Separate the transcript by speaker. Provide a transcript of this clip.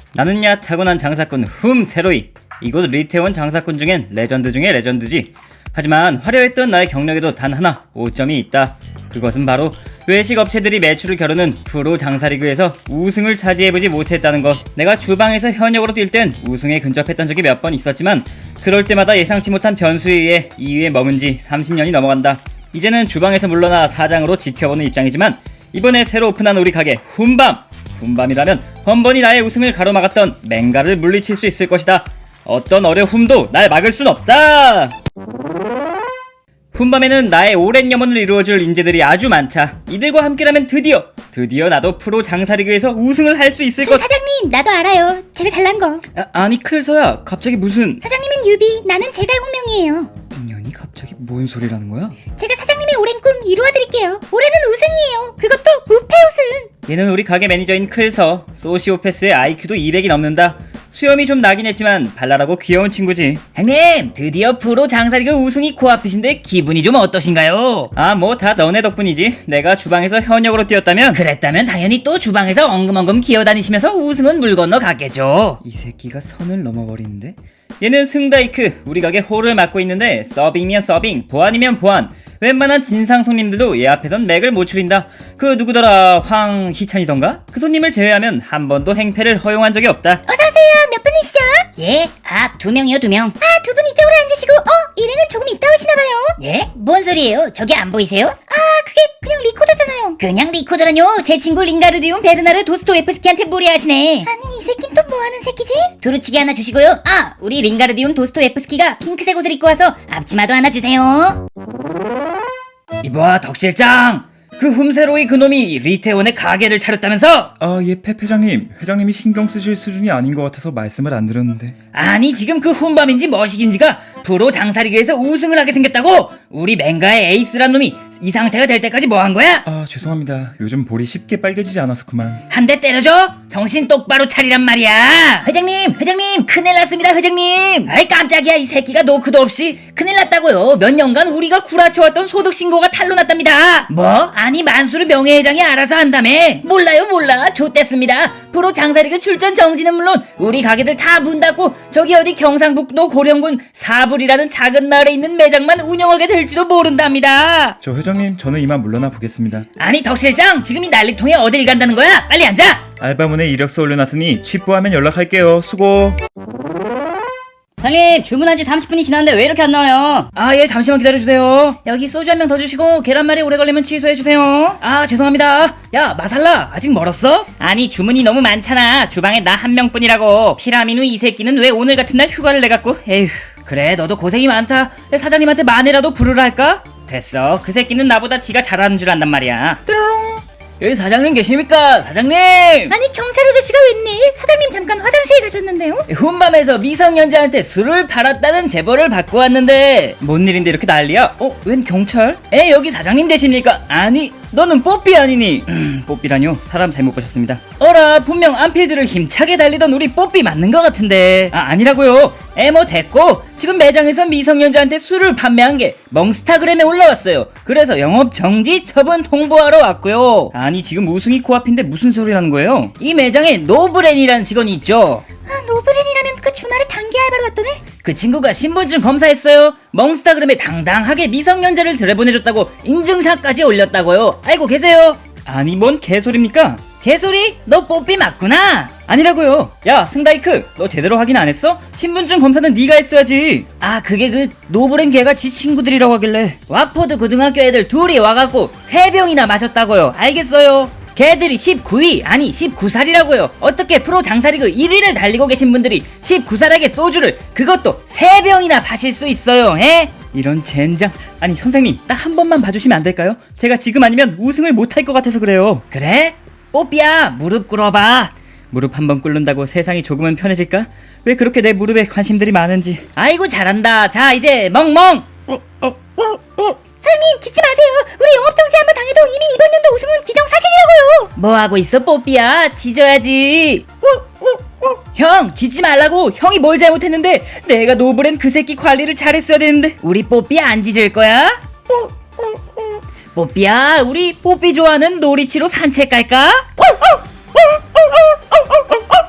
Speaker 1: 나는야 타고난 장사꾼 흠세로이. 이곳 리태원 장사꾼 중엔 레전드 중에 레전드지. 하지만 화려했던 나의 경력에도 단 하나 오점이 있다. 그것은 바로 외식 업체들이 매출을 겨루는 프로 장사리그에서 우승을 차지해보지 못했다는 것. 내가 주방에서 현역으로 뛸 땐 우승에 근접했던 적이 몇 번 있었지만 그럴 때마다 예상치 못한 변수에 의해 2위에 머문 지 30년이 넘어간다. 이제는 주방에서 물러나 사장으로 지켜보는 입장이지만 이번에 새로 오픈한 우리 가게 훈밤이라면 번번이 나의 우승을 가로막았던 맹가를 물리칠 수 있을 것이다. 어떤 어려움도 날 막을 순 없다. 훈밤에는 나의 오랜 염원을 이루어줄 인재들이 아주 많다. 이들과 함께라면 드디어 나도 프로 장사리그에서 우승을 할 수 있을 것.
Speaker 2: 사장님, 나도 알아요. 제가 잘난 거.
Speaker 1: 아니 클서야, 갑자기 무슨.
Speaker 2: 사장님은 유비, 나는 제갈 홍명이에요.
Speaker 1: 인연이 갑자기 뭔 소리라는 거야?
Speaker 2: 제가 사장님의 오랜 꿈 이루어드릴게요. 올해는 우승이에요. 그것도 무패 우승.
Speaker 1: 얘는 우리 가게 매니저인 클서. 소시오패스의 IQ도 200이 넘는다. 수염이 좀 나긴 했지만 발랄하고 귀여운 친구지.
Speaker 3: 형님, 드디어 프로 장사리그 우승이 코앞이신데 기분이 좀 어떠신가요?
Speaker 1: 뭐 다 너네 덕분이지. 내가 주방에서 현역으로 뛰었다면.
Speaker 3: 그랬다면 당연히 또 주방에서 엉금엉금 기어다니시면서 우승은 물 건너 갔겠죠.
Speaker 1: 이 새끼가 선을 넘어버리는데? 얘는 승다이크, 우리 가게 홀을 맡고 있는데 서빙이면 서빙, 보안이면 보안. 웬만한 진상 손님들도 얘 앞에선 맥을 못 추린다. 그 누구더라, 황희찬이던가? 그 손님을 제외하면 한 번도 행패를 허용한 적이 없다.
Speaker 2: 어서오세요. 몇 분이시죠?
Speaker 3: 예? 2명이요, 2명.
Speaker 2: 두 분 이쪽으로 앉으시고, 일행은 조금 이따 오시나봐요.
Speaker 3: 예? 뭔 소리예요? 저기 안 보이세요?
Speaker 2: 그게 그냥 리코더잖아요.
Speaker 3: 그냥 리코더라뇨. 제 친구 링가르디움 베르나르 도스토예프스키한테 무리하시네.
Speaker 2: 아니, 이 새끼는 또 뭐하는 새끼지?
Speaker 3: 두루치기 하나 주시고요. 우리 링가르디움 도스토예프스키가 핑크색 옷을 입고 와서 앞치마도 하나 주세요.
Speaker 1: 이봐, 덕실장! 그 흠세로이 그놈이 리태원에 가게를 차렸다면서?
Speaker 4: 예, 회장님. 회장님이 신경 쓰실 수준이 아닌 것 같아서 말씀을 안 드렸는데.
Speaker 3: 아니, 지금 그 훈밤인지 머시기인지가 프로 장사리그에서 우승을 하게 생겼다고? 우리 맹가의 에이스란 놈이 이 상태가 될 때까지 뭐 한 거야?
Speaker 4: 죄송합니다. 요즘 볼이 쉽게 빨개지지 않아서 그만.
Speaker 3: 한 대 때려줘? 정신 똑바로 차리란 말이야. 회장님, 큰일 났습니다, 회장님. 아이, 깜짝이야. 이 새끼가 노크도 없이. 큰일 났다고요. 몇 년간 우리가 구라쳐왔던 소득신고가 탄로 났답니다. 뭐? 아니, 만수르 명예회장이 알아서 한다며. 몰라. 좆됐습니다. 프로 장사리그 출전 정지는 물론 우리 가게들 다 문 닫고 저기 어디 경상북도 고령군 사불이라는 작은 마을에 있는 매장만 운영하게 될지도 모른답니다.
Speaker 4: 저 회장님, 저는 이만 물러나 보겠습니다.
Speaker 3: 아니, 덕실장, 지금 이 난리통에 어딜 간다는 거야? 빨리 앉아.
Speaker 4: 알바문에 이력서 올려놨으니 취부하면 연락할게요. 수고.
Speaker 3: 사장님, 주문한 지 30분이 지났는데 왜 이렇게 안 나와요? 예, 잠시만 기다려주세요. 여기 소주 한 병 더 주시고 계란말이 오래 걸리면 취소해주세요. 죄송합니다. 야, 마살라, 아직 멀었어? 아니, 주문이 너무 많잖아. 주방에 나 한 명뿐이라고. 피라미누 이 새끼는 왜 오늘 같은 날 휴가를 내갖고. 에휴, 그래, 너도 고생이 많다. 사장님한테 만회라도 부르라 할까? 됐어. 그 새끼는 나보다 지가 잘하는 줄 안단 말이야. 뾰로롱. 여기 사장님 계십니까? 사장님!
Speaker 2: 아니, 경찰 아저씨가 웬일? 사장님 잠깐 화장실 가셨는데요?
Speaker 3: 훈밤에서 미성년자한테 술을 팔았다는 제보를 받고 왔는데.
Speaker 1: 뭔 일인데 이렇게 난리야? 웬 경찰?
Speaker 3: 여기 사장님 되십니까? 아니,
Speaker 1: 너는 뽀삐 아니니? 뽀삐라뇨? 사람 잘못 보셨습니다.
Speaker 3: 어라, 분명 안필드를 힘차게 달리던 우리 뽀삐 맞는 것 같은데.
Speaker 1: 아니라고요.
Speaker 3: 뭐 됐고, 지금 매장에서 미성년자한테 술을 판매한 게 멍스타그램에 올라왔어요. 그래서 영업 정지 처분 통보하러 왔고요.
Speaker 1: 아니, 지금 우승이 코앞인데 무슨 소리라는 거예요?
Speaker 3: 이 매장에 노브렌이라는 직원이 있죠.
Speaker 2: 노브렌이라면 그 주말에 단기 알바로 왔더네?
Speaker 3: 그 친구가 신분증 검사했어요. 멍스타그램에 당당하게 미성년자를 들여보내줬다고 인증샷까지 올렸다고요. 알고 계세요?
Speaker 1: 아니, 뭔 개소리입니까?
Speaker 3: 개소리? 너 뽀삐 맞구나.
Speaker 1: 아니라고요. 야, 승다이크, 너 제대로 확인 안 했어? 신분증 검사는 네가 했어야지.
Speaker 3: 그게 그 노브렌 걔가 지 친구들이라고 하길래 왁포드 고등학교 애들 둘이 와갖고 3병이나 마셨다고요. 알겠어요? 걔들이 19위, 아니 19살이라고요. 어떻게 프로 장사리그 1위를 달리고 계신 분들이 19살에게 소주를, 그것도 3병이나 마실 수 있어요,
Speaker 1: 이런 젠장. 아니, 선생님, 딱 한 번만 봐주시면 안 될까요? 제가 지금 아니면 우승을 못할 것 같아서 그래요.
Speaker 3: 그래? 뽀삐야, 무릎 꿇어봐.
Speaker 1: 무릎 한 번 꿇는다고 세상이 조금은 편해질까? 왜 그렇게 내 무릎에 관심들이 많은지.
Speaker 3: 아이고, 잘한다. 자, 이제 멍멍.
Speaker 2: 사장님, 짖지 마세요. 우리 영업정지 한번 당해도 이미 이번 연도 우승은 기정사실이라고요.
Speaker 3: 뭐 하고 있어, 뽀삐야? 짖어야지. 형, 짖지 말라고. 형이 뭘 잘못했는데. 내가 노브랜 그 새끼 관리를 잘했어야 되는데. 우리 뽀삐 안 짖을 거야? 뽀삐야, 우리 뽀삐 좋아하는 놀이치로 산책 갈까?